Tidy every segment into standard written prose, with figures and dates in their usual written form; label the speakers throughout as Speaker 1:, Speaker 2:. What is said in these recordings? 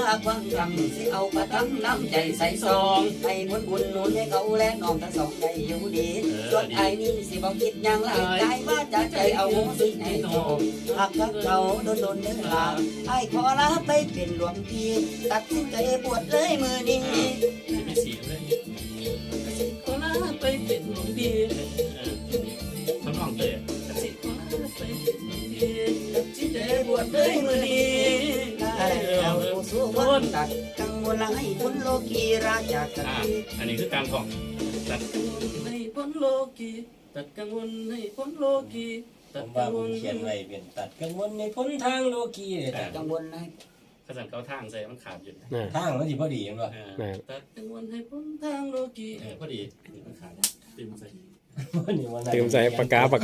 Speaker 1: ความจำสิเอาประทังน้ำใจใส่ซองให้ผลบุญหนุนให้เขาและน้องทั้งสองได้อยู่ดีส่วนไอ้นี่สิบอกคิดยังไรใจว่าจะใจเอาสิให้โตหากกับเขาโดนเนื้อลาไอ้ขอลาไปเป็นหลวงพี่ตัดสินใจบวชเลยมือนี้
Speaker 2: ไม่เสียเลยขอลาไปเป็นหลวงพี่เขาลองเตะขอลาไปเป็นหลวงพี่ตัดสินใจบวชเลยมือนี้
Speaker 1: แล้วสู้วันตัดกังวลให้พ้นโลกีราชาสันติ
Speaker 2: อันนี้คือการท่องตัดกังวลให้พ้นโลกีตัดกังวลให้พ้นโลกี
Speaker 3: ผมว่าผมเขียนไว้เป็นตัดกังวลในพ้นทางโลกี
Speaker 1: ตัดกังวลให้
Speaker 2: ขนาดเขาทางใส่มันขาดอยู่
Speaker 3: ทางมันสิพอดีมั้ง
Speaker 2: ตัดกังวลให้พ้นทางโลกีพอดีมันขาดตื่นใส่
Speaker 4: ตื่นใส่ปากกาเอาปาก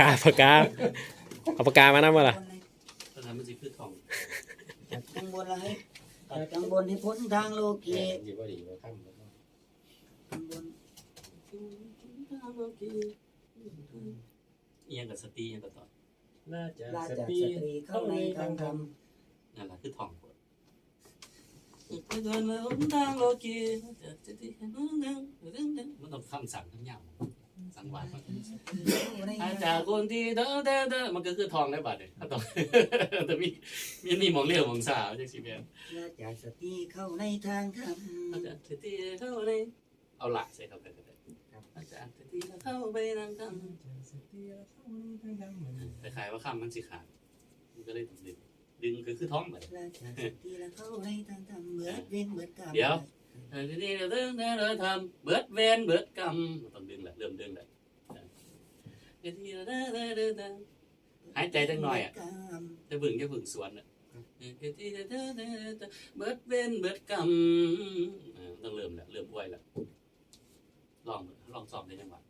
Speaker 4: กามานะมาล่ะ
Speaker 2: ตอนนั้นมันจะคือท่อง
Speaker 1: กังวลให้กังวลให้พ้นทางโลกี
Speaker 3: สิพอดีมั้งครับ
Speaker 1: กังวล
Speaker 2: ทางโลกีเอียงกับสติเอียงกับต่อ
Speaker 3: ราชสตรีเข้าในทางธรรม
Speaker 2: นั่นแหละคือท่องไปเดินมาหนทางโลกีมันต้องคำสั่งทั้งอย่างสังวาสอาจากคนที่เด้อมันก็คือทองได้บาทเลยถ้าต้องแต่มีมองเลี้ยวมองสาวจากสิเบีย
Speaker 1: ราชสตรีเข้าในทางธรรม
Speaker 2: อาจารย์สตรีเข้าในเอาหลักใส่เข้าไปก็ได้อาจารย์สตรีเข้าไปนั่งทำแต่ขายว่าคำมันสิขาดมันก็เลยต้องดึงคือท้องไป
Speaker 1: ราชสตรีเข้าในทางธรรมเบิดเว้นเบิดกรรม
Speaker 2: เดี๋ยวทีนี้เราทำเบิดเวนเบิดกรรมต้องดึงแหละเริ่มดึงแหละทีหายใจจังหน่อยอ่ะจะบึ่งสวนอ่ะทีเบิดเวนเบิดกรรมต้องเริ่มแหละเริ่มป่วยแหละลองสอบได้จังหวะ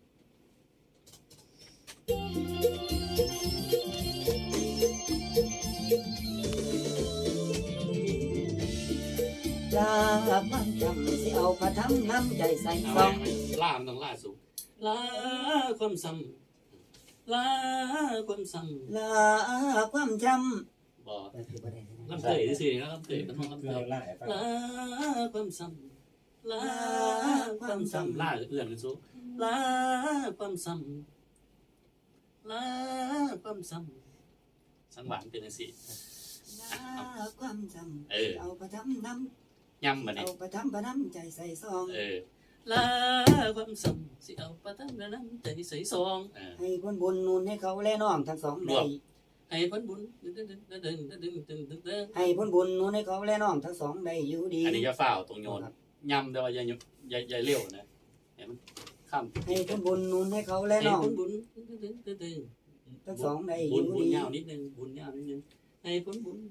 Speaker 1: ลาความจำสิเอาประทังน้ำใจใส่ซอง
Speaker 2: ล่ามันต้องล่าสูงลาความซ้ำลาความซ้
Speaker 1: ำลาความจ
Speaker 2: ำบ่ลำเตยสิครับลำเตยมันห้องลำเตยลาความซ้ำลาความซ้ำลาเอื่อนสูงลาความซ้ำลาความซ้ำสังหวานเป็นสิ
Speaker 1: ลาความจำเอาประทังน้ำ
Speaker 2: ย่ำมาเนี่ย
Speaker 1: เอาประทังประน้ำใจใส่ซอง
Speaker 2: ลาความซ้ำสิเอาประทังประน้ำใจใส่ซอง
Speaker 1: ให้ผลบุญนูนให้เขาและน้องทั้งสองได้
Speaker 2: ให้ผลบุญ
Speaker 1: ให้ผลบุญนูนให้เขาและน้องทั้งสองได้อยู่ดี
Speaker 2: อันนี้จะฝ่าตรงโยนย่ำแต่ว่าอย่าเลี้ยวนะเห็นมันข้าม
Speaker 1: ให้ผลบุญนูนให้เขาและน้อง
Speaker 2: บุญ
Speaker 1: ทั้งสองได้
Speaker 2: อยู่ดีบุญยาวนิดนึงบุญยาวนิดนึงให้ผลบุญ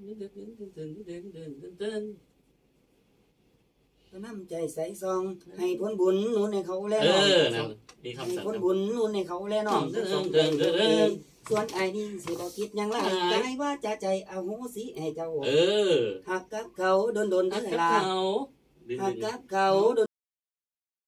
Speaker 1: น้ำใจใส่ซองให้ผลบุญนูนให้เขาและน้องให้ผลบุญนูนให้เขาและน้องทั้งสองส่วนไอ้นี่สิบอกคิดยังไรใจว่าจะใจเอาหูสิให้เจ้าหักกับเขาโดนเวลาหักกับเขา